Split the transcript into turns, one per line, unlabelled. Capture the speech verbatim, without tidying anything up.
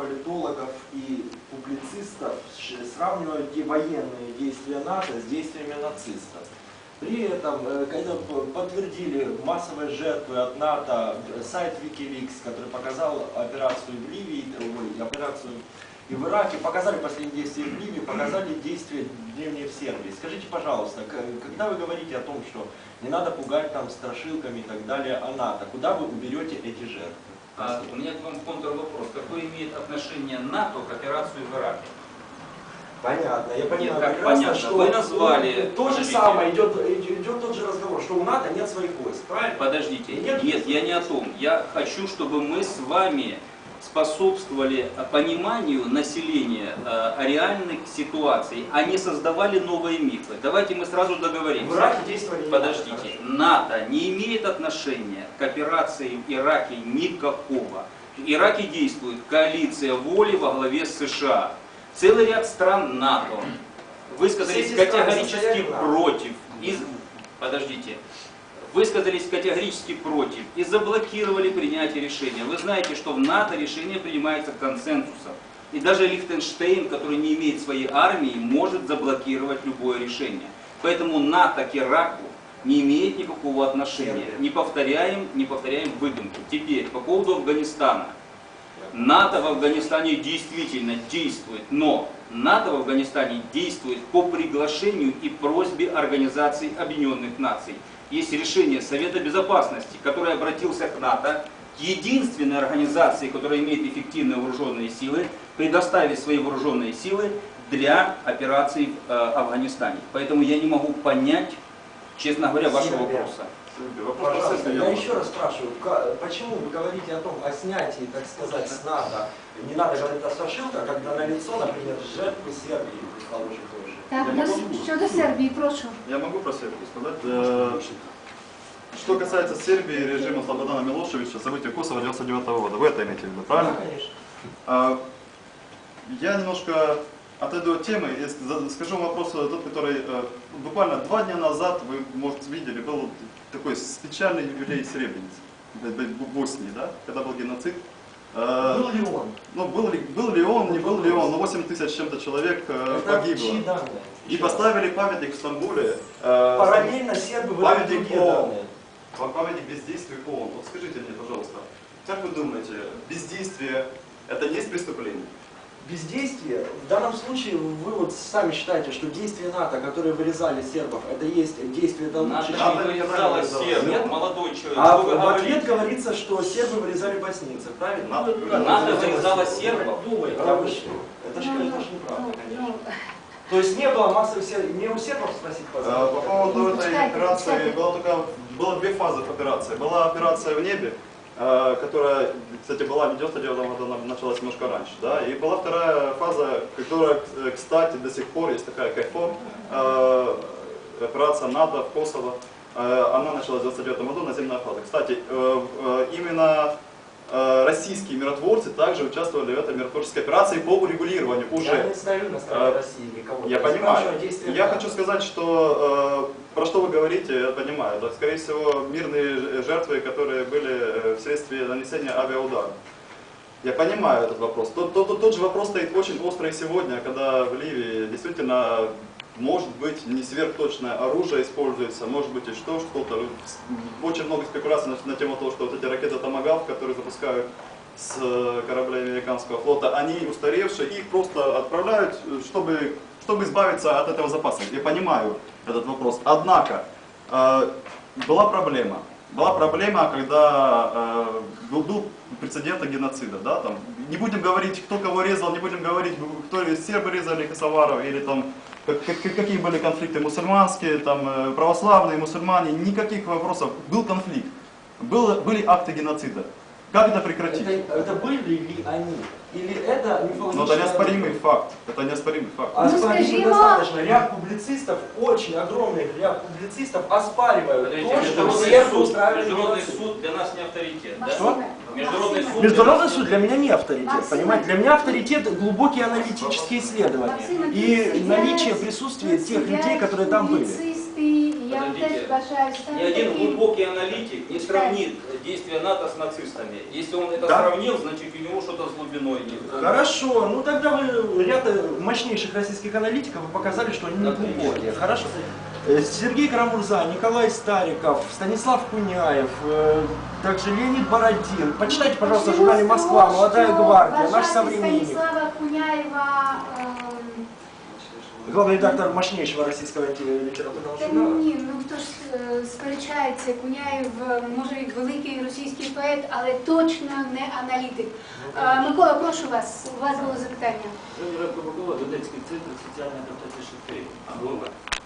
политологов и публицистов сравнивают военные действия НАТО с действиями нацистов. При этом, когда подтвердили массовые жертвы от НАТО, сайт Wikileaks, который показал операцию в Ливии, ой, операцию и в Ираке, показали последние действия в Ливии, показали действия древние в Сербии. Скажите, пожалуйста, когда вы говорите о том, что не надо пугать там страшилками и так далее о НАТО, куда вы уберете эти жертвы?
А, у меня к вам контрвопрос. Какое имеет отношение НАТО к операции в Ираке?
Понятно, я понимаю.
Нет, как
прекрасно,
понятно?
что
Вы назвали...
То же самое, идет, идет тот же разговор, что у НАТО нет своих войск, правильно?
Подождите,
нет,
нет, я не о том. Я хочу, чтобы мы с вами способствовали пониманию населения э, реальных ситуаций, а не создавали новые мифы. Давайте мы сразу договоримся.
В Ираке действовали не
Подождите, НАТО. НАТО не имеет отношения к операции в Ираке никакого. В Ираке действует коалиция воли во главе с США. Целый ряд стран НАТО высказались категорически против. Из... Подождите. Высказались категорически против и заблокировали принятие решения. Вы знаете, что в НАТО решение принимается консенсусом. И даже Лихтенштейн, который не имеет своей армии, может заблокировать любое решение. Поэтому НАТО к Ираку не имеет никакого отношения. Не повторяем, не повторяем выдумку. Теперь, по поводу Афганистана. НАТО в Афганистане действительно действует, но НАТО в Афганистане действует по приглашению и просьбе Организации Объединенных Наций. Есть решение Совета Безопасности, который обратился к НАТО, к единственной организации, которая имеет эффективные вооруженные силы, предоставить свои вооруженные силы для операций в э, Афганистане. Поэтому я не могу понять, честно говоря, вашего вопроса.
Пожалуйста, я еще раз спрашиваю, почему вы говорите о том, о снятии, так сказать, с НАТО, не надо говорить о страшилках, когда налицо, например, жертвы Сербии, предположим, тоже.
Так, щодо Сербии, прошу.
Я могу про Сербию сказать? Что касается Сербии и режима Слободана Милошевича, события Косово девяносто девятого года, вы это имеете в виду, правильно?
Да, конечно.
Я немножко отойду от темы и скажу вам вопрос, тот, который буквально два дня назад, вы, может, видели, был такой печальный юбилей Сребреницы в Боснии, да, когда был геноцид.
Был ли он?
Ну, был ли, был ли он, не был ли он, но восемь тысяч с чем-то человек
это
погибло. И поставили памятник в Стамбуле.
Параллельно сербы выдали другие данные.
Памятник бездействию ООН. Вот скажите мне, пожалуйста, как вы думаете, бездействие это не есть преступление?
Бездействие, в данном случае вы вот сами считаете, что действия НАТО, которые вырезали сербов, это есть действие до лучшей.
НАТО не вырезало сербов, молодой человек.
А в, в ответ говорится, что сербы вырезали боснийцев, правильно?
НАТО, НАТО вырезало сербов.
Да вы что? Это же, конечно, неправда, конечно. То есть не было массовых сербов, не у сербов спросить, пожалуйста.
По поводу этой операции, было только, было две фазы операции. Была операция в небе, которая, кстати, была в девяносто девятом году, началась немножко раньше, да, и была вторая фаза, которая, кстати, до сих пор есть такая КФОР, операция НАТО в Косово, она началась в девяносто девятом году, наземная фаза. Кстати, именно российские миротворцы также участвовали в этой миротворческой операции по урегулированию уже.
Я не ставлю на стороне России никого.
Я понимаю. Я хочу сказать, что про что вы говорите, я понимаю. Это, скорее всего, мирные жертвы, которые были вследствие нанесения авиаудара. Я понимаю этот вопрос. Тот, тот, тот же вопрос стоит очень острый сегодня, когда в Ливии действительно может быть не сверхточное оружие используется, может быть и что, что-то. Очень много спекуляций на, на тему того, что вот эти ракеты Томагавк, которые запускают с кораблей американского флота, они устаревшие, их просто отправляют, чтобы, чтобы избавиться от этого запаса. Я понимаю этот вопрос. Однако, э, была проблема. Была проблема, когда э, был, был прецедент геноцида. Да, там, не будем говорить, кто кого резал, не будем говорить, кто сербы резали косоваров, или там, как, как, какие были конфликты мусульманские, там, православные, мусульмане, никаких вопросов. Был конфликт, был, были акты геноцида. Как это прекратить?
Это, это были ли они? Или это мифологическое...
Но это неоспоримый факт. Это неоспоримый факт.
Оспорить недостаточно. Ряд публицистов, очень огромный ряд публицистов оспаривают то, что сербы устраивали
Международный
геноцид.
суд для нас не авторитет. Да?
Что?
Международный суд,
Международный суд для меня не авторитет, понимаете? Для меня авторитет глубокие аналитические исследования и наличие присутствия тех людей, которые там были.
Я вам теж
Подождите.
бажаю
Ни
стати
один
таким.
глубокий аналитик не сравнит действия НАТО с нацистами. Если он это
Да.
сравнил, значит у него что-то с глубиной нет.
Хорошо, ну тогда вы ряд э, мощнейших российских аналитиков вы показали, что они не
Например?
глубокие. Хорошо. Э, Сергей Карамурза, Николай Стариков, Станислав Куняев, э, также Леонид Бородин. Почитайте, пожалуйста, в
Почему
журнале «Москва»,
строго
«Молодая гвардия», наш
вважати
современник.
Станіслава Куняєва, ем,
Главный редактор мощнейшего российского литературного
та
журнала.
ні, ну хто ж е, сперечається, Куняєв е, може і великий російський поет, але точно не аналітик. Е, Микола, прошу вас, у вас було запитання.
Микола, Донецький центр соціальної адаптації шахтарів.